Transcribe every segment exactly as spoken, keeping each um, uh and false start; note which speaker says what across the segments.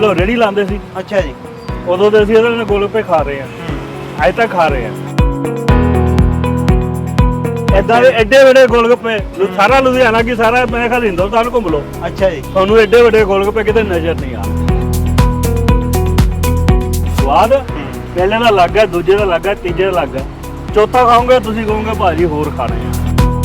Speaker 1: ਪਹਿਲਾਂ ਰੇੜੀ ਲਾਉਂਦੇ ਸੀ।
Speaker 2: ਅੱਛਾ ਜੀ।
Speaker 1: ਉਦੋਂ ਦੇ ਅਸੀਂ ਇਹਦੇ ਨਾਲ ਗੋਲਗੱਪੇ ਖਾ ਰਹੇ ਹਾਂ, ਅੱਜ ਤੱਕ ਖਾ ਰਹੇ ਹਾਂ। ਏਦਾਂ ਦੇ ਐਡੇ ਵੱਡੇ ਗੋਲਗੱਪੇ ਸਾਰਾ ਲੁਧਿਆਣਾ ਕੀ ਸਾਰਾ ਮੈਂ ਖਿਆਲ ਹਿੰਦੁਸਤਾਨ ਘੁੰਮ ਲਓ।
Speaker 2: ਅੱਛਾ ਜੀ।
Speaker 1: ਤੁਹਾਨੂੰ ਐਡੇ ਵੱਡੇ ਗੋਲਗੱਪੇ ਕਿਤੇ ਨਜ਼ਰ ਨਹੀਂ ਆ। ਸਵਾਦ ਪਹਿਲੇ ਦਾ ਅਲੱਗ ਹੈ, ਦੂਜੇ ਦਾ ਅਲੱਗ ਹੈ, ਤੀਜੇ ਦਾ ਅਲੱਗ ਹੈ, ਚੌਥਾ ਖਾਓਗੇ ਤੁਸੀਂ ਕਹੋਗੇ ਭਾਜੀ ਹੋਰ ਖਾਣੇ ਆ।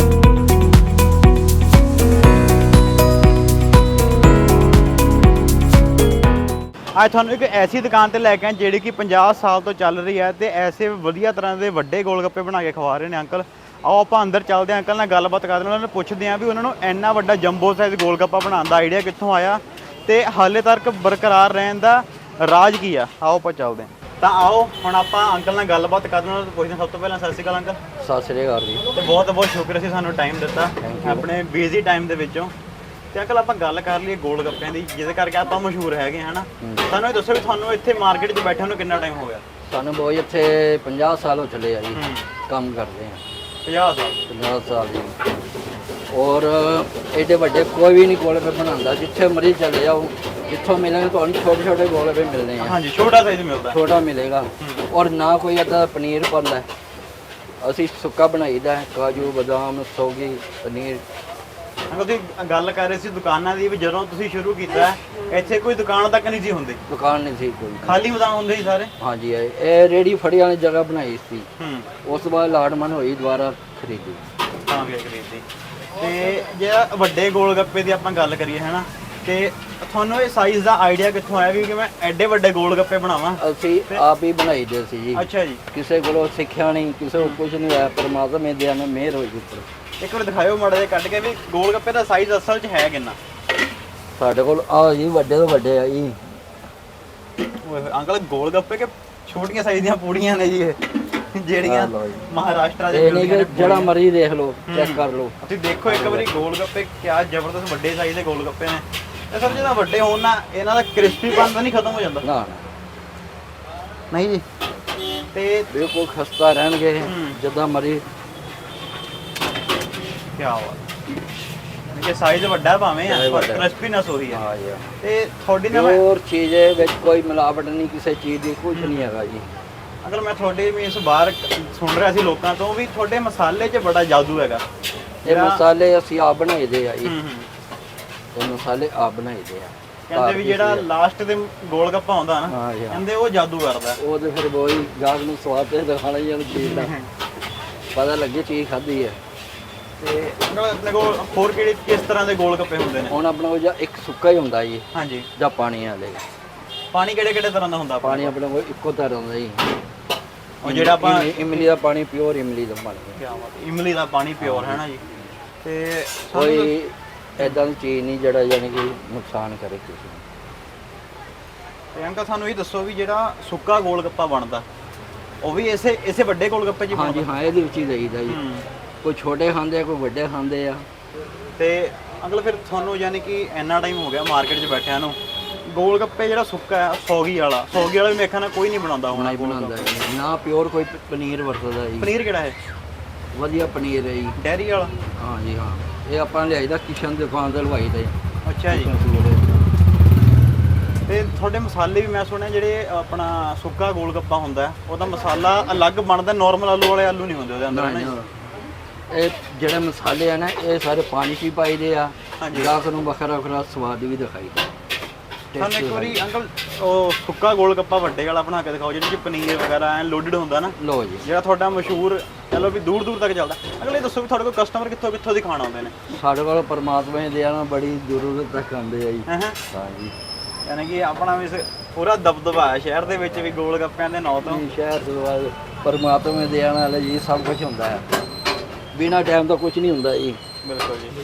Speaker 2: ਅੱਜ ਤੁਹਾਨੂੰ ਇੱਕ ਐਸੀ ਦੁਕਾਨ ਤੇ ਲੈ ਕੇ ਆਏ ਜਿਹੜੀ ਕਿ ਪੰਜਾਹ ਸਾਲ ਤੋਂ ਚੱਲ ਰਹੀ ਹੈ ਤੇ ਐਸੇ ਵਧੀਆ ਤਰ੍ਹਾਂ ਦੇ ਵੱਡੇ ਗੋਲਗੱਪੇ ਬਣਾ ਕੇ ਖਵਾ ਰਹੇ ਨੇ ਅੰਕਲ। ਆਓ ਆਪਾਂ ਅੰਦਰ ਚੱਲਦੇ ਹਾਂ, ਅੰਕਲ ਨਾਲ ਗੱਲਬਾਤ ਕਰਦੇ ਹਾਂ, ਉਹਨਾਂ ਨੂੰ ਪੁੱਛਦੇ ਹਾਂ ਵੀ ਉਹਨਾਂ ਨੂੰ ਇੰਨਾ ਵੱਡਾ ਜੰਬੋ ਸਾਈਜ਼ ਗੋਲਗੱਪਾ ਬਣਾਉਣ ਦਾ ਆਈਡੀਆ ਕਿੱਥੋਂ ਆਇਆ ਤੇ ਹਾਲੇ ਤੱਕ ਬਰਕਰਾਰ ਰਹਿਣ ਦਾ ਰਾਜ ਕੀ ਆ। ਆਓ ਆਪਾਂ ਚੱਲਦੇ ਹਾਂ। ਤਾਂ ਆਓ ਹੁਣ ਆਪਾਂ ਅੰਕਲ ਨਾਲ ਗੱਲਬਾਤ ਕਰਦੇ ਹਾਂ, ਪੁੱਛਦੇ ਹਾਂ। ਸਭ ਤੋਂ ਪਹਿਲਾਂ ਸਤਿ ਸ਼੍ਰੀ ਅਕਾਲ ਅੰਕਲ।
Speaker 3: ਸਤਿ ਸ਼੍ਰੀ ਅਕਾਲ ਜੀ।
Speaker 2: ਤੇ ਬਹੁਤ ਬਹੁਤ ਸ਼ੁਕਰ ਸੀ ਸਾਨੂੰ ਟਾਈਮ ਦਿੱਤਾ ਆਪਣੇ ਬਿਜ਼ੀ ਟਾਈਮ ਦੇ ਵਿੱਚੋਂ। ਤੇ ਅੰਕਲ ਆਪਾਂ ਗੱਲ ਕਰ ਲਈਏ ਗੋਲ ਗੱਪਿਆਂ ਦੀ, ਜਿਹਦੇ ਕਰਕੇ ਆਪਾਂ ਮਸ਼ਹੂਰ ਹੈਗੇ ਹਨਾ। ਸਾਨੂੰ ਇਹ ਦੱਸੋ ਵੀ ਤੁਹਾਨੂੰ ਇੱਥੇ ਮਾਰਕੀਟ 'ਚ ਬੈਠੇ ਨੂੰ ਕਿੰਨਾ ਟਾਈਮ ਹੋ ਗਿਆ?
Speaker 3: ਸਾਨੂੰ ਬਹੁਤ ਇੱਥੇ ਪੰਜਾਹ ਸਾਲ ਹੋ ਚਲੇ ਆ ਜੀ ਕੰਮ ਕਰਦੇ ਆ।
Speaker 2: ਪੰਜਾਹ ਸਾਲ
Speaker 3: ਪੰਜਾਹ ਸਾਲ ਜੀ। ਔਰ ਐਡੇ ਵੱਡੇ ਕੋਈ ਵੀ ਨਹੀਂ ਗੋਲਗੱਪੇ ਬਣਾਉਂਦਾ। ਜਿੱਥੇ ਮਰਜ਼ੀ ਚਲੇ ਜਾਓ, ਜਿੱਥੋਂ ਮਿਲਣਗੇ ਤੁਹਾਨੂੰ ਛੋਟੇ ਛੋਟੇ ਗੋਲਗੱਪੇ ਮਿਲਦੇ ਆ।
Speaker 2: ਹਾਂਜੀ, ਛੋਟਾ ਸਾਈਜ਼ ਮਿਲਦਾ,
Speaker 3: ਛੋਟਾ ਮਿਲੇਗਾ। ਔਰ ਨਾ ਕੋਈ ਅੱਧਾ ਪਨੀਰ ਪਾਉਂਦਾ, ਅਸੀਂ ਸੁੱਕਾ ਬਣਾਈਦਾ, ਕਾਜੂ ਬਦਾਮ ਸੌਗੀ ਪਨੀਰ।
Speaker 2: ਅੰਕਲ ਤੁਸੀਂ ਗੱਲ ਕਰ ਰਹੇ ਸੀ ਦੁਕਾਨਾਂ ਦੀ, ਵੀ ਜਦੋਂ ਤੁਸੀਂ ਸ਼ੁਰੂ ਕੀਤਾ ਇੱਥੇ ਕੋਈ ਦੁਕਾਨ ਤੱਕ ਨਹੀਂ ਸੀ ਹੁੰਦੀ,
Speaker 3: ਦੁਕਾਨ ਨਹੀਂ ਸੀ ਕੋਈ,
Speaker 2: ਖਾਲੀ ਮਦਾਨ ਹੁੰਦੇ ਸੀ ਸਾਰੇ।
Speaker 3: ਹਾਂਜੀ ਇਹ ਰੇੜੀ ਫੜੀ ਵਾਲੀ ਜਗ੍ਹਾ ਬਣਾਈ ਸੀ।
Speaker 2: ਹੂੰ।
Speaker 3: ਉਸ ਤੋਂ ਬਾਅਦ ਲਾਟਮਨ ਹੋਈ, ਦੁਬਾਰਾ ਖਰੀਦੀ
Speaker 2: ਤਾਂ ਵੀ ਖਰੀਦੀ। ਤੇ ਜਿਹੜਾ ਵੱਡੇ ਗੋਲ ਗੱਪੇ ਦੀ ਆਪਾਂ ਗੱਲ ਕਰੀਏ ਹੈ ਨਾ, ਤੇ ਤੁਹਾਨੂੰ ਇਹ ਸਾਈਜ਼ ਦਾ ਆਈਡੀਆ ਕਿੱਥੋਂ ਆਇਆ ਵੀ ਕਿ ਮੈਂ ਐਡੇ ਵੱਡੇ ਗੋਲ ਗੱਪੇ ਬਣਾਵਾਂ?
Speaker 3: ਅਸੀਂ ਆਪ ਹੀ ਬਣਾਈਦੇ ਸੀ ਜੀ।
Speaker 2: ਅੱਛਾ ਜੀ।
Speaker 3: ਕਿਸੇ ਕੋਲੋਂ ਸਿੱਖਿਆ ਨਹੀਂ, ਕਿਸੇ ਕੋਲ ਕੁਝ ਨਹੀਂ ਹੋਇਆ, ਪਰਮਾਤਮਾ ਦੇ ਨਾਲ ਮਿਹਰ ਹੋਈ ਉੱਪਰ।
Speaker 2: ਇੱਕ ਵਾਰ ਦਿਖਾਇਓ ਮਾੜਾ ਜਿਹਾ ਕੱਢ ਕੇ ਵੀ ਗੋਲ ਗੱਪੇ ਦਾ ਸਾਈਜ਼ ਅਸਲ 'ਚ ਹੈ ਕਿੰਨਾ?
Speaker 3: ਸਾਡੇ ਕੋਲ ਆ ਜੀ ਵੱਡੇ ਤੋਂ ਵੱਡੇ ਆ ਜੀ।
Speaker 2: ਓਏ ਹੋਏ ਅੰਕਲ, ਗੋਲ ਗੱਪੇ ਕਿ ਛੋਟੀਆਂ ਸਾਈਜ਼ ਦੀਆਂ ਪੂੜੀਆਂ ਨੇ ਜੀ ਇਹ, ਜਿਹੜੀਆਂ ਮਹਾਰਾਸ਼ਟਰ ਦੇ
Speaker 3: ਇਹ ਨਹੀਂ ਕਿ ਜਿਹੜਾ ਮਰਜ਼ੀ ਦੇਖ ਲਓ, ਚੈੱਕ ਕਰ ਲਓ।
Speaker 2: ਤੁਸੀਂ ਦੇਖੋ ਇੱਕ ਵਾਰੀ ਗੋਲ ਗੱਪੇ ਕਿਆ ਜ਼ਬਰਦਸਤ ਵੱਡੇ ਸਾਈਜ਼ ਦੇ ਗੋਲ ਗੱਪੇ ਨੇ। ਇਹ ਸਭ ਜਦੋਂ ਵੱਡੇ ਹੋਣ ਨਾ ਇਹਨਾਂ ਦਾ ਕ੍ਰਿਸਪੀਪਨ ਤਾਂ ਨਹੀਂ ਖਤਮ ਹੋ ਜਾਂਦਾ?
Speaker 3: ਨਾ
Speaker 2: ਨਹੀਂ ਜੀ। ਤੇ
Speaker 3: ਬਿਲਕੁਲ ਖਸਤਾ ਰਹਿਣਗੇ ਜਿੱਦਾਂ ਮਰਜ਼ੀ।
Speaker 2: ਕੀ ਬਾਤ ਹੈ, ਸਾਈਜ਼ ਵੱਡਾ ਭਾਵੇਂ ਆ ਪਰ ਕ੍ਰਿਸਪੀਨੈਸ ਉਹੀ ਹੈ।
Speaker 3: ਹਾਂ ਜੀ।
Speaker 2: ਤੇ ਤੁਹਾਡੀ ਨਾ
Speaker 3: ਹੋਰ ਚੀਜ਼ ਹੈ ਵਿੱਚ ਕੋਈ ਮਿਲਾਵਟ ਨਹੀਂ, ਕਿਸੇ ਚੀਜ਼ ਦੀ ਕੁਝ ਨਹੀਂ ਹੈਗਾ ਜੀ।
Speaker 2: ਅੰਕਲ ਮੈਂ ਤੁਹਾਡੇ ਵੀ ਇਸ ਬਾਹਰ ਸੁਣ ਰਿਹਾ ਸੀ ਲੋਕਾਂ ਤੋਂ ਵੀ ਤੁਹਾਡੇ ਮਸਾਲੇ 'ਚ ਬੜਾ ਜਾਦੂ ਹੈਗਾ।
Speaker 3: ਇਹ ਮਸਾਲੇ ਅਸੀਂ ਆਪ ਬਣਾਈਦੇ ਆ ਜੀ।
Speaker 2: ਹੂੰ ਹੂੰ।
Speaker 3: ਇਹ ਮਸਾਲੇ ਆਪ ਬਣਾਈਦੇ ਆ।
Speaker 2: ਕਹਿੰਦੇ ਵੀ ਜਿਹੜਾ ਲਾਸਟ ਦੇ ਗੋਲ ਗੱਪਾ ਆਉਂਦਾ ਨਾ,
Speaker 3: ਹਾਂ ਜੀ,
Speaker 2: ਕਹਿੰਦੇ ਉਹ ਜਾਦੂ ਕਰਦਾ।
Speaker 3: ਉਹ ਤੇ ਫਿਰ ਬੋਈ ਗਾਹਕ ਨੂੰ ਸਵਾਦ ਤੇ ਦਿਖਾਣਾ ਹੀ ਆ ਚੀਜ਼ ਦਾ, ਪਤਾ ਲੱਗੇ ਚੀਜ਼ ਖਾਧੀ ਹੈ।
Speaker 2: ਤੇ ਆਪਣੇ ਕੋਲ ਹੋਰ ਕਿਹੜੇ ਕਿਸ ਤਰ੍ਹਾਂ ਦੇ ਗੋਲ ਗੱਪੇ ਹੁੰਦੇ ਨੇ?
Speaker 3: ਹੁਣ ਆਪਣੇ ਕੋਲ ਜਾਂ ਇੱਕ ਸੁੱਕਾ ਹੀ ਹੁੰਦਾ ਜੀ।
Speaker 2: ਹਾਂਜੀ।
Speaker 3: ਜਾਂ ਪਾਣੀ ਵਾਲੇ।
Speaker 2: ਪਾਣੀ ਕਿਹੜੇ ਕਿਹੜੇ ਤਰ੍ਹਾਂ ਦਾ ਹੁੰਦਾ?
Speaker 3: ਪਾਣੀ ਆਪਣੇ ਕੋਲ ਇੱਕੋ ਤਰ੍ਹਾਂ ਦਾ ਜੀ।
Speaker 2: ਉਹ ਜਿਹੜਾ ਆਪਾਂ
Speaker 3: ਇਮਲੀ ਦਾ ਪਾਣੀ, ਪਿਓਰ ਇਮਲੀ ਦਾ ਪਾਣੀ।
Speaker 2: ਕੀ ਬਾਤ, ਇਮਲੀ ਦਾ ਪਾਣੀ ਪਿਓਰ ਹੈ ਨਾ ਜੀ। ਤੇ
Speaker 3: ਕੋਈ ਐਦਾਂ ਦੀ ਚੀਜ਼ ਨਹੀਂ ਜਿਹੜਾ ਯਾਨੀ ਕਿ ਨੁਕਸਾਨ ਕਰੇ ਕਿਸੇ ਨੂੰ।
Speaker 2: ਤੇ ਅੰਕਲ ਸਾਨੂੰ ਇਹ ਦੱਸੋ ਵੀ ਜਿਹੜਾ ਸੁੱਕਾ ਗੋਲ ਗੱਪਾ ਬਣਦਾ ਉਹ ਵੀ ਇਸੇ ਇਸੇ ਵੱਡੇ ਗੋਲ ਗੱਪੇ 'ਚ ਬਣਦਾ?
Speaker 3: ਹਾਂਜੀ ਹਾਂ, ਇਹਦੇ ਵਿੱਚ ਹੀ ਦਈਦਾ ਜੀ। ਕੋਈ ਛੋਟੇ ਖਾਂਦੇ ਆ, ਕੋਈ ਵੱਡੇ ਖਾਂਦੇ ਆ।
Speaker 2: ਤੇ ਅੰਕਲ ਫਿਰ ਤੁਹਾਨੂੰ ਯਾਨੀ ਕਿ ਇੰਨਾ ਟਾਈਮ ਹੋ ਗਿਆ ਮਾਰਕੀਟ 'ਚ ਬੈਠਿਆਂ ਨੂੰ, ਗੋਲ ਗੱਪੇ ਜਿਹੜਾ ਸੁੱਕਾ ਹੈ ਸੌਗੀ ਵਾਲਾ, ਸੌਗੀ ਵਾਲਾ ਵੀ ਮੇਖਾ ਨਾ ਕੋਈ ਨਹੀਂ ਬਣਾਉਂਦਾ ਹੋਣਾ
Speaker 3: ਹੀ ਬਣਾਉਂਦਾ ਨਾ। ਪਿਓਰ ਕੋਈ ਪਨੀਰ ਵਰਤਦਾ ਜੀ।
Speaker 2: ਪਨੀਰ ਕਿਹੜਾ ਹੈ?
Speaker 3: ਵਧੀਆ ਪਨੀਰ ਹੈ ਜੀ,
Speaker 2: ਡੈਰੀ ਵਾਲਾ।
Speaker 3: ਹਾਂ ਜੀ ਹਾਂ। ਇਹ ਆਪਾਂ ਲਿਆਈਦਾ ਕਿਸ਼ਨ ਦੀ ਦੁਕਾਨ ਤੋਂ ਲਵਾਈ ਦਾ ਜੀ।
Speaker 2: ਅੱਛਾ ਜੀ। ਤੇ ਤੁਹਾਡੇ ਮਸਾਲੇ ਵੀ ਮੈਂ ਸੁਣਿਆ ਜਿਹੜੇ ਆਪਣਾ ਸੁੱਕਾ ਗੋਲ ਗੱਪਾ ਹੁੰਦਾ ਉਹਦਾ ਮਸਾਲਾ ਅਲੱਗ ਬਣਦਾ, ਨਾਰਮਲ ਆਲੂ ਵਾਲੇ ਆਲੂ ਨਹੀਂ ਹੁੰਦੇ ਉਹਦੇ ਅੰਦਰ ਨਾ?
Speaker 3: ਇਹ ਜਿਹੜੇ ਮਸਾਲੇ ਆ ਨਾ ਇਹ ਸਾਰੇ ਪਾਣੀ 'ਚ ਹੀ ਪਾਈਦੇ ਆ।
Speaker 2: ਹਾਂਜੀ।
Speaker 3: ਗਾਹਕ ਨੂੰ ਵੱਖਰਾ ਵੱਖਰਾ ਸਵਾਦ ਵੀ ਦਿਖਾਈਦਾ।
Speaker 2: ਸਾਨੂੰ ਇੱਕ ਵਾਰੀ ਅੰਕਲ ਉਹ ਸੁੱਕਾ ਗੋਲ ਗੱਪਾ ਵੱਡੇ ਵਾਲਾ ਬਣਾ ਕੇ ਦਿਖਾਓ ਜਿਹਦੇ 'ਚ ਪਨੀਰ ਵਗੈਰਾ ਐ ਲੋਡਡ ਹੁੰਦਾ ਨਾ।
Speaker 3: ਲਓ ਜੀ।
Speaker 2: ਜਿਹੜਾ ਤੁਹਾਡਾ ਮਸ਼ਹੂਰ ਚਲੋ ਵੀ ਦੂਰ ਦੂਰ ਤੱਕ ਚੱਲਦਾ। ਅਗਰ ਇਹ ਦੱਸੋ ਵੀ ਤੁਹਾਡੇ ਕੋਲ ਕਸਟਮਰ ਕਿੱਥੋਂ ਕਿੱਥੋਂ ਦੀ ਖਾਣ ਆਉਂਦੇ ਨੇ? ਸਾਡੇ
Speaker 3: ਕੋਲ ਪਰਮਾਤਮਾ ਦੀ ਦਇਆ ਨਾਲ ਬੜੀ ਦੂਰੋਂ ਤੱਕ ਆਉਂਦੇ ਆ ਜੀ।
Speaker 2: ਹਾਂ
Speaker 3: ਹਾਂ ਜੀ।
Speaker 2: ਯਾਨੀ ਕਿ ਆਪਣਾ ਵੀ ਪੂਰਾ ਦਬਦਬਾ ਹੈ ਸ਼ਹਿਰ ਦੇ ਵਿੱਚ ਵੀ ਗੋਲ ਗੱਪਿਆਂ ਦੇ ਨਾਂ ਤੋਂ।
Speaker 3: ਸ਼ਹਿਰ ਤੋਂ ਬਾਅਦ ਪਰਮਾਤਮਾ ਦੀ ਦਇਆ ਨਾਲ ਜੀ ਸਭ ਕੁਝ ਹੁੰਦਾ ਹੈ। ਬਿਨਾਂ ਟਾਈਮ ਤੋਂ ਕੁਝ ਨਹੀਂ ਹੁੰਦਾ ਜੀ।
Speaker 2: ਬਿਲਕੁਲ ਜੀ।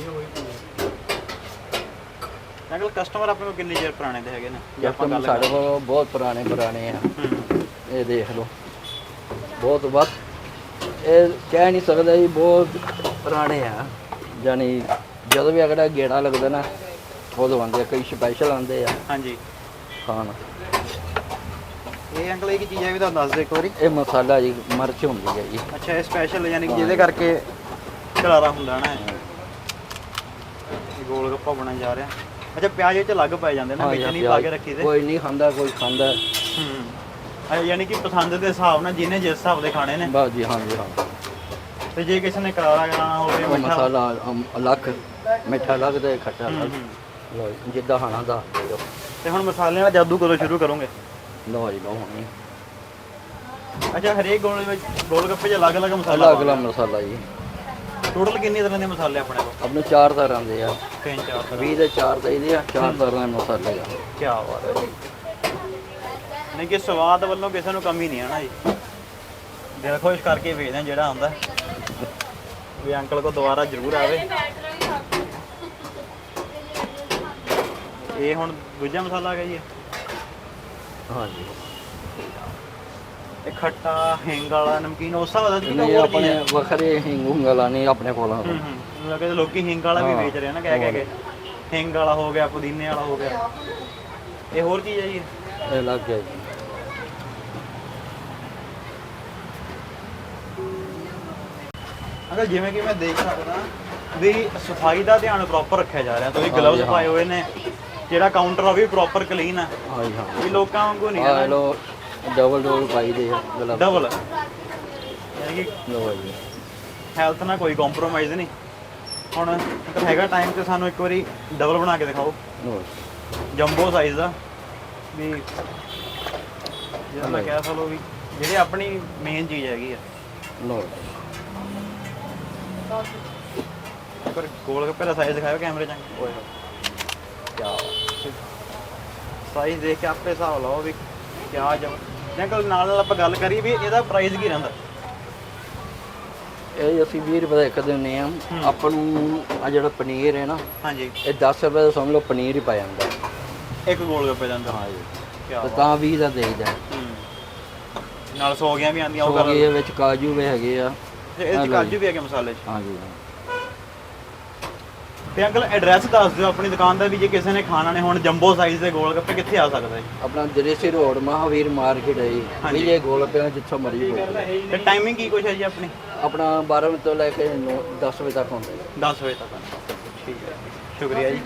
Speaker 2: ਅੰਕਲ ਕਸਟਮਰ ਆਪਣੇ ਕੋਲ ਕਿੰਨੇ ਚਿਰ ਪੁਰਾਣੇ ਦੇ ਹੈਗੇ ਨੇ? ਜੇ ਆਪਾਂ ਗੱਲ
Speaker 3: ਸਾਡੇ ਕੋਲ ਬਹੁਤ ਪੁਰਾਣੇ ਪੁਰਾਣੇ ਆ। ਇਹ ਦੇਖ ਲਓ ਬਹੁਤ ਵੱਧ, ਇਹ ਕਹਿ ਨਹੀਂ ਸਕਦਾ ਜੀ, ਬਹੁਤ ਪੁਰਾਣੇ ਆ। ਯਾਨੀ ਜਦੋਂ ਵੀ ਅਗਲਾ ਗੇੜਾ ਲੱਗਦਾ ਨਾ ਉਦੋਂ ਆਉਂਦੇ ਆ, ਕਈ ਸਪੈਸ਼ਲ ਆਉਂਦੇ ਆ। ਹਾਂਜੀ। ਖਾਣ ਇਹ ਅੰਕਲ ਇਹ ਕੀ ਚੀਜ਼ ਹੈ ਵੀ ਤੁਹਾਨੂੰ ਦੱਸ ਦਿਓ ਇੱਕ ਵਾਰੀ। ਇਹ ਮਸਾਲਾ ਜੀ, ਮਿਰਚ ਹੁੰਦੀ ਹੈ ਜੀ। ਅੱਛਾ, ਇਹ ਸਪੈਸ਼ਲ ਯਾਨੀ ਕਿ ਜਿਹਦੇ ਕਰਕੇ ਕਰਾਰਾ ਹੁੰਦਾ ਨਾ। ਇਹ ਗੋਲ ਗੱਪਾ ਬਣਨ ਜਾ ਰਿਹਾ।
Speaker 2: ਅੱਛਾ ਪਿਆਜ਼ ਵਿੱਚ ਅਲੱਗ ਪੈ ਜਾਂਦੇ ਨਾ,
Speaker 3: ਹਾਂ
Speaker 2: ਵਿੱਚ
Speaker 3: ਜੀ,
Speaker 2: ਨਹੀਂ ਪਾ ਕੇ ਰੱਖੀ ਦੇ।
Speaker 3: ਕੋਈ ਨਹੀਂ ਖਾਂਦਾ, ਕੋਈ ਖਾਂਦਾ।
Speaker 2: ਹੂੰ ਅੱਛਾ, ਯਾਨੀ ਕਿ ਪਸੰਦ ਦੇ ਹਿਸਾਬ ਨਾਲ ਜਿਹਨੇ ਜਿਸ ਹਿਸਾਬ ਦੇ ਖਾਣੇ ਨੇ।
Speaker 3: ਬਸ ਜੀ, ਹਾਂ ਜੀ ਹਾਂ।
Speaker 2: ਤੇ ਜੇ ਕਿਸੇ ਨੇ ਕਰਾਰਾ ਕਰਾਉਣਾ ਹੋਵੇ
Speaker 3: ਉਹ
Speaker 2: ਮਿੱਠਾ
Speaker 3: ਮਸਾਲਾ ਅਮ, ਅਲੱਗ, ਮਿੱਠਾ ਅਲੱਗ ਤੇ ਖੱਟਾ
Speaker 2: ਹੂੰ,
Speaker 3: ਅਲੱਗ।
Speaker 2: ਹੂੰ।
Speaker 3: ਲਓ ਜੀ, ਜਿੱਦਾਂ ਖਾਣਾ ਦਾ ਲਓ।
Speaker 2: ਤੇ ਹੁਣ ਮਸਾਲਿਆਂ ਦਾ ਜਾਦੂ ਕਦੋਂ ਸ਼ੁਰੂ ਕਰੋਗੇ?
Speaker 3: ਲਓ ਜੀ, ਲਓ ਹੁਣੀ
Speaker 2: ਅੱਛਾ ਹਰੇਕ ਗੋਲ ਵਿੱਚ ਗੋਲ ਗੱਪੇ 'ਚ ਅਲੱਗ ਅਲੱਗ ਮਸਾਲਾ
Speaker 3: ਅਲੱਗ ਅਲੱਗ ਮਸਾਲਾ ਜੀ।
Speaker 2: ਟੋਟਲ ਕਿੰਨੀ ਤਰ੍ਹਾਂ ਦੇ ਮਸਾਲੇ ਆਪਣੇ ਕੋਲ?
Speaker 3: ਆਪਣੇ ਚਾਰ ਤਰ੍ਹਾਂ ਦੇ ਆ,
Speaker 2: ਤਿੰਨ ਚਾਰ ਤਰ੍ਹਾਂ।
Speaker 3: ਵੀਹ ਦੇ ਚਾਰ ਚਾਹੀਦੇ ਆ, ਚਾਰ ਤਰ੍ਹਾਂ ਦੇ ਮਸਾਲੇ ਆ।
Speaker 2: ਕੀ ਬਾਤ ਹੈ ਜੀ। ਨਹੀਂ ਕਿ ਸਵਾਦ ਵੱਲੋਂ ਕਿਸੇ ਨੂੰ ਕਮੀ ਨਹੀਂ ਹੈ ਨਾ ਜੀ, ਦਿਲ ਖੁਸ਼ ਕਰਕੇ ਵੇਚਦੇ ਹਾਂ ਜਿਹੜਾ ਆਉਂਦਾ ਵੀ ਅੰਕਲ ਕੋ ਦੁਬਾਰਾ ਜ਼ਰੂਰ ਆਵੇ। ਇਹ ਹੁਣ ਦੂਜਾ ਮਸਾਲਾ ਆ ਗਿਆ ਜੀ।
Speaker 3: ਹਾਂ ਜੀ,
Speaker 2: ਇਹ ਖੱਟਾ ਹਿੰਗ ਵਾਲਾ ਨਮਕੀਨ ਉਸ ਹਿਸਾਬ ਦਾ ਕਿ
Speaker 3: ਨਹੀਂ ਆਪਣੇ ਵੱਖਰੇ ਹਿੰਗ ਹੁੰਗ ਵਾਲਾ ਨਹੀਂ ਆਪਣੇ ਕੋਲ।
Speaker 2: ਹੂੰ ਹੂੰ ਲੱਗੇ ਲੋਕੀ ਹਿੰਗ ਵਾਲਾ ਵੀ ਵੇਚ ਰਹੇ ਨਾ, ਕਹਿ ਕਹਿ ਕੇ ਹਿੰਗ ਵਾਲਾ ਹੋ ਗਿਆ, ਪੁਦੀਨੇ ਵਾਲਾ ਹੋ ਗਿਆ। ਇਹ ਹੋਰ ਚੀਜ਼ ਹੈ ਜੀ?
Speaker 3: ਇਹ ਲੱਗ ਗਿਆ ਜੀ।
Speaker 2: ਅਗਰ ਜਿਵੇਂ ਕਿ ਮੈਂ ਦੇਖ ਸਕਦਾ ਵੀ ਸਫਾਈ ਦਾ ਧਿਆਨ ਪ੍ਰੋਪਰ ਰੱਖਿਆ ਜਾ ਰਿਹਾ। ਤੁਸੀਂ ਗਲਵਜ਼ ਪਾਏ ਹੋਏ ਨੇ, ਜਿਹੜਾ ਕਾਊਂਟਰ ਆ ਵੀ ਪ੍ਰੋਪਰ ਕਲੀਨ ਆ।
Speaker 3: ਹਾਂ ਜੀ ਹਾਂ।
Speaker 2: ਵੀ ਲੋਕਾਂ ਵਾਂਗੂ ਨਹੀਂ
Speaker 3: ਆ
Speaker 2: ਹੈ
Speaker 3: ਲੋ ਡਬਲ ਡਬਲ ਪਾਈ ਦੇ ਆ ਗਲਵ।
Speaker 2: ਡਬਲ, ਯਾਨੀ ਕਿ
Speaker 3: ਲਓ ਜੀ,
Speaker 2: ਹੈਲਥ ਨਾਲ ਕੋਈ ਕੰਪਰੋਮਾਈਜ਼ ਨਹੀਂ। ਹੁਣ ਅਗਰ ਹੈਗਾ ਟਾਈਮ ਤੇ ਸਾਨੂੰ ਇੱਕ ਵਾਰੀ ਡਬਲ ਬਣਾ ਕੇ ਦਿਖਾਓ,
Speaker 3: ਲਓ
Speaker 2: ਜੰਬੋ ਸਾਈਜ਼ ਦਾ। ਵੀ ਜਿਹੜਾ ਮੈਂ ਕਹਿ ਸਕਦਾ ਵੀ ਜਿਹੜੀ ਆਪਣੀ ਮੇਨ ਚੀਜ਼ ਹੈਗੀ ਆ।
Speaker 3: ਲਓ
Speaker 2: ਪਰ ਗੋਲ ਗੱਪੇ ਦਾ ਸਾਈਜ਼ ਦਿਖਾਓ ਕੈਮਰੇ 'ਚ। ਓਏ ਕਿਆ ਸਾਈਜ਼ ਦੇਖ ਕੇ ਆਪੇ ਹਿਸਾਬ ਲਾਓ ਵੀ ਕਿਆ ਜਮ ਜਾਂ ਨਾਲ ਨਾਲ ਆਪਾਂ ਗੱਲ ਕਰੀਏ ਵੀ ਇਹਦਾ ਪ੍ਰਾਈਸ ਕੀ ਰਹਿੰਦਾ?
Speaker 3: ਇਹ ਅਸੀਂ ਵੀਹ ਰੁਪਏ ਦਾ ਇੱਕ ਦਿੰਦੇ ਆ। ਆਪਾਂ ਨੂੰ ਆ ਜਿਹੜਾ ਪਨੀਰ ਹੈ ਨਾ,
Speaker 2: ਹਾਂਜੀ,
Speaker 3: ਇਹ ਦਸ ਰੁਪਏ ਦਾ ਸਮਝ ਲਓ ਪਨੀਰ ਹੀ ਪਾ ਜਾਂਦਾ।
Speaker 2: ਇੱਕ ਗੋਲ ਗੱਪੇ ਦਾ ਅੰਦਰ।
Speaker 3: ਹਾਂ ਜੀ,
Speaker 2: ਕਿਆ
Speaker 3: ਤੇ ਤਾਂ ਵੀਹ ਦਾ ਦੇਈਦਾ।
Speaker 2: ਹੂੰ। ਨਾਲ ਸੌਗੀਆਂ ਵੀ ਆਉਂਦੀਆਂ ਉਹ
Speaker 3: ਉਹ
Speaker 2: ਕਰ।
Speaker 3: ਇਹ ਵਿੱਚ ਕਾਜੂ ਵੀ ਹੈਗੇ ਆ।
Speaker 2: ਇਹਦੇ 'ਚ ਕਾਜੂ ਵੀ ਹੈਗੇ ਮਸਾਲੇ 'ਚ।
Speaker 3: ਹਾਂ ਜੀ।
Speaker 2: ਤੇ ਅੰਕਲ ਐਡਰੈਸ ਦੱਸ ਦਿਓ ਆਪਣੀ ਦੁਕਾਨ ਦਾ ਵੀ ਜੇ ਕਿਸੇ ਨੇ ਖਾਣਾ ਨੇ ਹੁਣ ਜੰਬੋ ਸਾਈਜ਼ ਦੇ ਗੋਲ ਗੱਪੇ ਕਿੱਥੇ ਆ ਸਕਦਾ ਹੈ?
Speaker 3: ਆਪਣਾ ਦਰੇਸੀ ਰੋਡ ਮਹਾਵੀਰ ਮਾਰਕੀਟ ਹੈ ਜੀ।
Speaker 2: ਹਾਂਜੀ।
Speaker 3: ਵਿਜੇ ਗੋਲ ਪਿਆ ਜਿੱਥੋਂ ਮਰਜ਼ੀ ਗੋਲ।
Speaker 2: ਤੇ ਟਾਈਮਿੰਗ ਕੀ ਕੁਛ ਹੈ ਜੀ ਆਪਣੀ?
Speaker 3: ਆਪਣਾ ਬਾਰਾਂ ਵਜੇ ਤੋਂ ਲੈ ਕੇ ਨੌ ਦਸ ਵਜੇ ਤੱਕ ਹੁੰਦਾ ਜੀ।
Speaker 2: ਦਸ ਵਜੇ ਤੱਕ। ਠੀਕ ਹੈ, ਸ਼ੁਕਰੀਆ ਜੀ।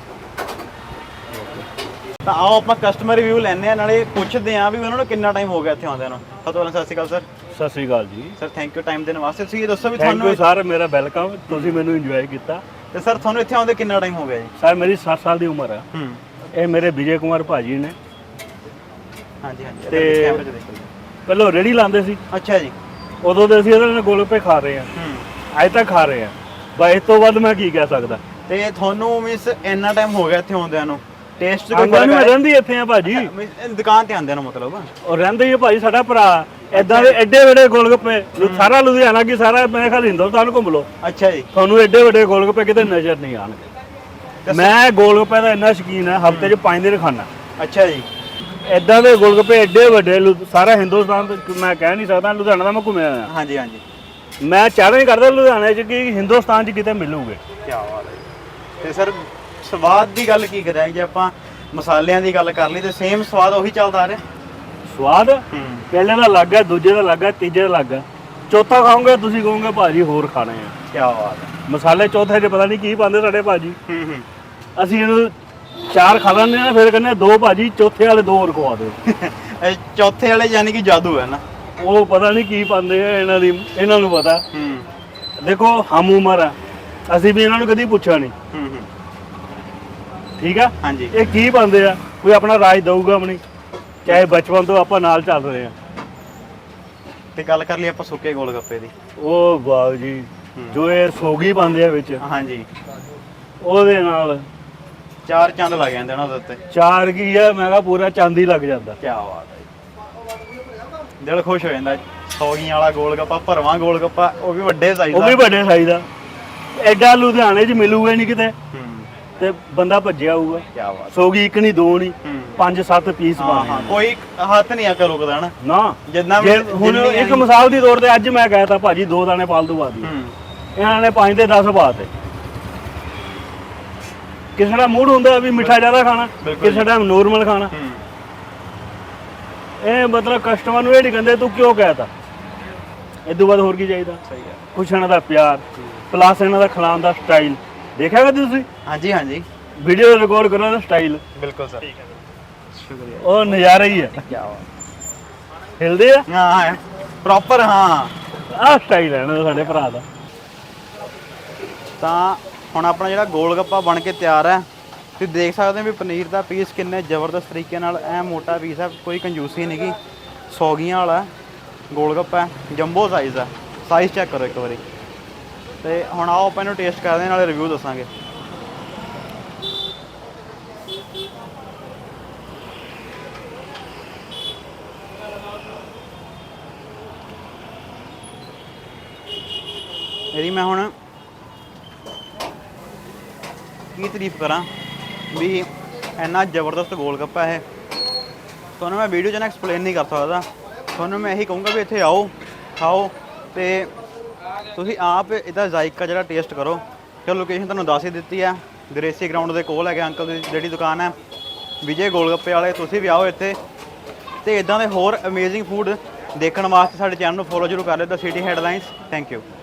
Speaker 2: ਤਾਂ ਆਓ ਆਪਾਂ ਕਸਟਮਰ ਰਿਵਿਊ ਲੈਣੇ ਆ, ਨਾਲੇ ਪੁੱਛਦੇ ਆ ਵੀ ਉਹਨਾਂ ਨੂੰ ਕਿੰਨਾ ਟਾਈਮ ਹੋ ਗਿਆ ਇੱਥੇ ਆਉਂਦਿਆਂ ਨੂੰ। ਸਭ ਤੋਂ ਪਹਿਲਾਂ ਸਤਿ ਸ਼੍ਰੀ ਅਕਾਲ ਸਰ।
Speaker 1: ਸਤਿ ਸ੍ਰੀ ਅਕਾਲ ਜੀ।
Speaker 2: ਸਰ ਥੈਂਕ ਯੂ ਟਾਈਮ ਦੇਣ ਵਾਸਤੇ। ਤੁਸੀਂ ਇਹ ਦੱਸੋ ਵੀ
Speaker 1: ਥੈਂਕ
Speaker 2: ਤੁਹਾਨੂੰ
Speaker 1: ਯੂ ਸਰ, ਮੇਰਾ ਵੈਲਕਮ। ਤੁਸੀਂ ਮੈਨੂੰ ਇੰਜੋਏ ਕੀਤਾ।
Speaker 2: ਤੇ ਸਰ ਤੁਹਾਨੂੰ ਇੱਥੇ ਆਉਂਦੇ ਕਿੰਨਾ ਟਾਈਮ ਹੋ ਗਿਆ ਜੀ?
Speaker 1: ਸਰ ਮੇਰੀ ਸੱਤ ਸਾਲ ਦੀ ਉਮਰ ਹੈ।
Speaker 2: ਹੂੰ।
Speaker 1: ਇਹ ਮੇਰੇ ਵਿਜੇ ਕੁਮਾਰ ਭਾਜੀ ਨੇ।
Speaker 2: ਹਾਂਜੀ ਹਾਂਜੀ
Speaker 1: ਤੇ
Speaker 2: ਕੈਮਰੇ 'ਚ ਦੇਖੋ ਜੀ।
Speaker 1: ਪਹਿਲਾਂ ਰੇੜੀ ਲਾਉਂਦੇ ਸੀ,
Speaker 2: ਅੱਛਾ ਜੀ।
Speaker 1: ਉਦੋਂ ਦੇ ਅਸੀਂ ਇਹਨਾਂ ਦੇ ਗੋਲਗੱਪੇ ਖਾ ਰਹੇ ਹਾਂ,
Speaker 2: ਹੂੰ।
Speaker 1: ਅੱਜ ਤੱਕ ਖਾ ਰਹੇ ਹਾਂ। ਬਸ ਇਸ ਤੋਂ ਵੱਧ ਮੈਂ ਕੀ ਕਹਿ ਸਕਦਾ।
Speaker 2: ਤੇ ਤੁਹਾਨੂੰ ਮਿਸ ਇੰਨਾ ਟਾਈਮ ਹੋ ਗਿਆ ਇੱਥੇ ਆਉਂਦਿਆਂ ਨੂੰ, ਟੇਸਟ 'ਚ ਕੋਈ
Speaker 1: ਆਉਂਦਾ
Speaker 2: ਫਰਕ
Speaker 1: ਨਹੀਂ, ਮੈਂ
Speaker 2: ਆਇਆ?
Speaker 1: ਰਹਿੰਦੀ ਇੱਥੇ ਆ ਭਾਜੀ।
Speaker 2: ਮਿਸ- ਦੁਕਾਨ ਤੇ ਆਉਂਦਿਆਂ ਨੂੰ ਮਤਲਬ?
Speaker 1: ਉਹ ਰਹਿੰਦੇ ਹੀ ਆ ਭਾਜੀ, ਸਾਡਾ ਭਰਾ। ਏਦਾਂ ਦੇ ਐਡੇ ਵੱਡੇ ਗੋਲਗੱਪੇ ਸਾਰਾ ਲੁਧਿਆਣਾ ਕੀ ਸਾਰਾ ਮੇਰੇ ਖਿਆਲ ਹਿੰਦੁਸਤਾਨ ਘੁੰਮ ਲਓ,
Speaker 2: ਅੱਛਾ ਜੀ।
Speaker 1: ਤੁਹਾਨੂੰ ਐਡੇ ਵੱਡੇ ਗੋਲਗੱਪੇ ਕਿਤੇ ਨਜ਼ਰ ਨਹੀਂ ਆਉਣਗੇ। ਮੈਂ ਗੋਲਗੱਪੇ ਦਾ ਇੰਨਾ ਸ਼ੌਕੀਨ ਹੈ, ਹਫਤੇ 'ਚ ਪੰਜ ਦਿਨ ਖਾਣਾ।
Speaker 2: ਅੱਛਾ ਜੀ।
Speaker 1: ਏਦਾਂ ਦੇ ਗੋਲਗੱਪੇ ਐਡੇ ਵੱਡੇ ਲੁ- ਸਾਰਾ ਹਿੰਦੁਸਤਾਨ ਤੇ ਮੈਂ ਕਹਿ ਨਹੀਂ ਸਕਦਾ। ਲੁਧਿਆਣਾ ਦਾ ਮੈਂ ਘੁੰਮਿਆ ਹੋਇਆ।
Speaker 2: ਹਾਂਜੀ ਹਾਂਜੀ।
Speaker 1: ਮੈਂ ਚਾਹ ਨਹੀਂ ਕਰਦਾ ਲੁਧਿਆਣੇ 'ਚ ਕਿ ਹਿੰਦੁਸਤਾਨ 'ਚ ਕਿਤੇ ਮਿਲੂਗੇ।
Speaker 2: ਕੀ ਬਾਤ ਹੈ ਜੀ। ਤੇ ਸਰ ਸਵਾਦ ਦੀ ਗੱਲ ਕੀ ਕਰਾਂ, ਜੇ ਆਪਾਂ ਮਸਾਲਿਆਂ ਦੀ ਗੱਲ ਕਰ ਲਈ ਤੇ ਸੇਮ ਸਵਾਦ ਉਹੀ ਚੱਲਦਾ ਆ ਰਿਹਾ?
Speaker 1: ਸਵਾਦ
Speaker 2: ਹੂੰ।
Speaker 1: ਪਹਿਲੇ ਦਾ ਅਲੱਗ ਹੈ, ਦੂਜੇ ਦਾ ਅਲੱਗ ਹੈ, ਤੀਜੇ ਦਾ ਅਲੱਗ ਹੈ, ਚੌਥਾ ਖਾਓਗੇ ਤੁਸੀਂ ਕਹੋਗੇ ਭਾਜੀ ਹੋਰ ਖਾਣੇ ਆ।
Speaker 2: ਕੀ ਬਾਤ ਹੈ।
Speaker 1: ਮਸਾਲੇ ਚੌਥੇ 'ਚ ਪਤਾ ਨਹੀਂ ਕੀ ਪਾਉਂਦੇ ਸਾਡੇ ਭਾਜੀ।
Speaker 2: ਹੂੰ ਹੂੰ।
Speaker 1: ਅਸੀਂ ਇਹਨੂੰ ਚਾਰ ਖਾ ਲੈਂਦੇ ਆ, ਫਿਰ ਕਹਿੰਦੇ ਦੋ ਭਾਜੀ ਚੌਥੇ ਵਾਲੇ ਦੋ ਹੋਰ ਖਵਾ ਦਿਓ।
Speaker 2: ਇਹ ਚੌਥੇ ਵਾਲੇ ਯਾਨੀ ਕਿ ਜਾਦੂ ਹੈ ਨਾ?
Speaker 1: ਉਹ ਪਤਾ ਨਹੀਂ ਕੀ ਪਾਉਂਦੇ ਆ, ਇਹਨਾਂ ਦੀ ਇਹਨਾਂ ਨੂੰ ਪਤਾ।
Speaker 2: ਹੂੰ
Speaker 1: ਦੇਖੋ ਹਮ ਉਮਰ ਆ, ਅਸੀਂ ਵੀ ਇਹਨਾਂ ਨੂੰ ਕਦੀ ਪੁੱਛਿਆ ਨਹੀਂ।
Speaker 2: ਹੂੰ ਹੂੰ।
Speaker 1: ਠੀਕ ਆ।
Speaker 2: ਹਾਂਜੀ।
Speaker 1: ਇਹ ਕੀ ਪਾਉਂਦੇ ਆ, ਕੋਈ ਆਪਣਾ ਰਾਜ ਦਊਗਾ ਆਪਣੀ, ਚਾਹੇ ਬਚਪਨ ਤੋਂ ਆਪਾਂ ਨਾਲ ਚੱਲ ਰਹੇ ਆ।
Speaker 2: ਤੇ ਗੱਲ ਕਰ ਲਈ ਆਪਾਂ ਸੁੱਕੇ ਗੋਲ ਗੱਪੇ ਦੀ।
Speaker 1: ਉਹ ਵਾਹ ਜੀ, ਜੋ ਇਹ ਸੋਗੀ ਪਾਉਂਦੇ ਆ ਵਿੱਚ,
Speaker 2: ਹਾਂਜੀ।
Speaker 1: ਉਹਦੇ ਨਾਲ
Speaker 2: ਚਾਰ ਚੰਦ ਲੱਗ ਜਾਂਦੇ ਉਹਨਾਂ ਦੇ ਉੱਤੇ।
Speaker 1: ਚਾਰ ਕੀ ਆ, ਮੈਂ ਕਿਹਾ ਪੂਰਾ ਚਾਂਦੀ ਲੱਗ ਜਾਂਦਾ।
Speaker 2: ਕੀ ਬਾਤ ਹੈ ਜੀ। ਦਿਲ ਖੁਸ਼ ਹੋ ਜਾਂਦਾ। ਸੌਗੀਆਂ ਵਾਲਾ ਗੋਲ ਗੱਪਾ, ਭਰਵਾਂ ਗੋਲ ਗੱਪਾ, ਉਹ ਵੀ ਵੱਡੇ ਸਾਈਜ਼
Speaker 1: ਉਹ
Speaker 2: ਦਾ।
Speaker 1: ਵੀ ਵੱਡੇ ਸਾਈਜ਼ ਦਾ। ਐਡਾ ਲੁਧਿਆਣੇ 'ਚ ਮਿਲੂਗਾ ਨਹੀਂ ਕਿਤੇ,
Speaker 2: ਹੂੰ।
Speaker 1: ਤੇ ਬੰਦਾ ਭੱਜਿਆ ਆਊਗਾ।
Speaker 2: ਕੀ ਬਾਤ।
Speaker 1: ਸੋਗੀ ਇੱਕ ਨਹੀਂ, ਦੋ ਨਹੀਂ,
Speaker 2: ਹੂੰ।
Speaker 1: ਪੰਜ ਸੱਤ ਪੀਸ
Speaker 2: ਹਾਂ
Speaker 1: ਪਾਣੇ
Speaker 2: ਹਾਂ,
Speaker 1: ਆ।
Speaker 2: ਕੋਈ ਹੱਥ ਨਹੀਂ ਆ ਕੇ ਰੁਕਦਾ ਨਾ।
Speaker 1: ਨਾ
Speaker 2: ਜਿੰਨਾ
Speaker 1: ਜੇ ਹੁਣ ਇੱਕ ਮਿਸਾਲ ਦੀ ਤੌਰ ਤੇ ਅੱਜ ਮੈਂ ਕਹਿਤਾ ਭਾਜੀ ਦੋ ਦਾਣੇ ਫਾਲਤੂ ਪਾ ਦਿਓ,
Speaker 2: ਹੂੰ।
Speaker 1: ਇਹਨਾਂ ਨੇ ਪੰਜ ਤੇ ਦਸ ਪਾਤੇ। ਕਿਸੇ ਦਾ ਮੂਡ ਹੁੰਦਾ ਵੀ ਮਿੱਠਾ ਜ਼ਿਆਦਾ ਖਾਣਾ,
Speaker 2: ਬਿਲਕੁਲ
Speaker 1: ਕਿਸੇ ਦਾ ਨੋਰਮਲ ਖਾਣਾ।
Speaker 2: ਹੂੰ।
Speaker 1: ਇਹ ਮਤਲਬ ਕਸਟਮਰ ਨੂੰ ਇਹ ਨਹੀਂ ਕਹਿੰਦੇ ਤੂੰ ਕਿਉਂ ਕਹਿਤਾ, ਇਹ ਤੋਂ ਬਾਅਦ ਹੋਰ ਕੀ ਚਾਹੀਦਾ।
Speaker 2: ਸਹੀ ਹੈ।
Speaker 1: ਕੁਛ ਇਹਨਾਂ ਦਾ ਪਿਆਰ, ਪਲੱਸ ਇਹਨਾਂ ਦਾ ਖਿਲਾਉਣ ਦਾ ਸਟਾਈਲ ਦੇਖਿਆ ਕਦੇ ਤੁਸੀਂ?
Speaker 2: ਹਾਂਜੀ ਹਾਂਜੀ।
Speaker 1: ਵੀਡੀਓ ਰਿਕਾਰਡ ਕਰੋ ਨਾ ਸਟਾਈਲ
Speaker 2: ਬਿਲਕੁਲ ਸਰ।
Speaker 1: ਸ਼ੁਕਰੀਆ। ਉਹ ਨਜ਼ਾਰਾ ਹੀ ਹੈ।
Speaker 3: ਕੀ ਬਾਤ।
Speaker 1: ਹਿਲਦੇ ਆ
Speaker 2: ਹਾਂ ਪ੍ਰੋਪਰ ਹਾਂ।
Speaker 1: ਆਹ ਸਟਾਈਲ ਹੈ ਨਾ ਸਾਡੇ ਭਰਾ ਦਾ।
Speaker 2: ਤਾਂ ਹੁਣ ਆਪਣਾ ਜਿਹੜਾ ਗੋਲ ਗੱਪਾ ਬਣ ਕੇ ਤਿਆਰ ਹੈ। ਤੁਸੀਂ ਦੇਖ ਸਕਦੇ ਹੋ ਵੀ ਪਨੀਰ ਦਾ ਪੀਸ ਕਿੰਨੇ ਜ਼ਬਰਦਸਤ ਤਰੀਕੇ ਨਾਲ ਐ ਮੋਟਾ ਪੀਸ ਹੈ, ਕੋਈ ਕੰਜੂਸੀ ਨਹੀਂ ਗੀ। ਸੌਗੀਆਂ ਵਾਲਾ ਗੋਲ ਗੱਪਾ ਜੰਬੋ ਸਾਈਜ਼ ਆ। ਸਾਈਜ਼ ਚੈੱਕ ਕਰੋ ਇੱਕ ਵਾਰੀ। ਤੇ ਹੁਣ ਆਓ ਆਪਾਂ ਇਹਨੂੰ ਟੇਸਟ ਕਰਦੇ ਹਾਂ, ਨਾਲੇ ਰਿਵਿਊ ਦੱਸਾਂਗੇ। ਇਹਦੀ ਮੈਂ ਹੁਣ ਕੀ ਤਾਰੀਫ ਕਰਾਂ ਵੀ ਇੰਨਾ ਜ਼ਬਰਦਸਤ ਗੋਲ ਗੱਪਾ ਹੈ। ਤੁਹਾਨੂੰ ਮੈਂ ਵੀਡੀਓ 'ਚ ਨਾ ਐਕਸਪਲੇਨ ਨਹੀਂ ਕਰ ਸਕਦਾ। ਤੁਹਾਨੂੰ ਮੈਂ ਇਹੀ ਕਹੂੰਗਾ ਵੀ ਇੱਥੇ ਆਓ, ਖਾਓ ਤੇ ਤੁਸੀਂ ਆਪ ਇਹਦਾ ਜ਼ਾਇਕਾ ਜਿਹੜਾ ਟੇਸਟ ਕਰੋ। ਕਿ ਲੋਕੇਸ਼ਨ ਤੁਹਾਨੂੰ ਦੱਸ ਹੀ ਦਿੱਤੀ ਹੈ, ਗ੍ਰੇਸੀ ਗਰਾਊਂਡ ਦੇ ਕੋਲ ਹੈਗੇ ਅੰਕਲ ਦੀ ਜਿਹੜੀ ਦੁਕਾਨ ਹੈ ਵਿਜੇ ਗੋਲ ਗੱਪੇ ਵਾਲੇ। ਤੁਸੀਂ ਵੀ ਆਓ ਇੱਥੇ ਤੇ ਇਦਾਂ ਦੇ ਹੋਰ ਅਮੇਜ਼ਿੰਗ ਫੂਡ ਦੇਖਣ ਵਾਸਤੇ ਸਾਡੇ ਚੈਨਲ ਨੂੰ ਫੋਲੋ ਜ਼ਰੂਰ ਕਰ ਲਿਓ, the city headlines. Thank you.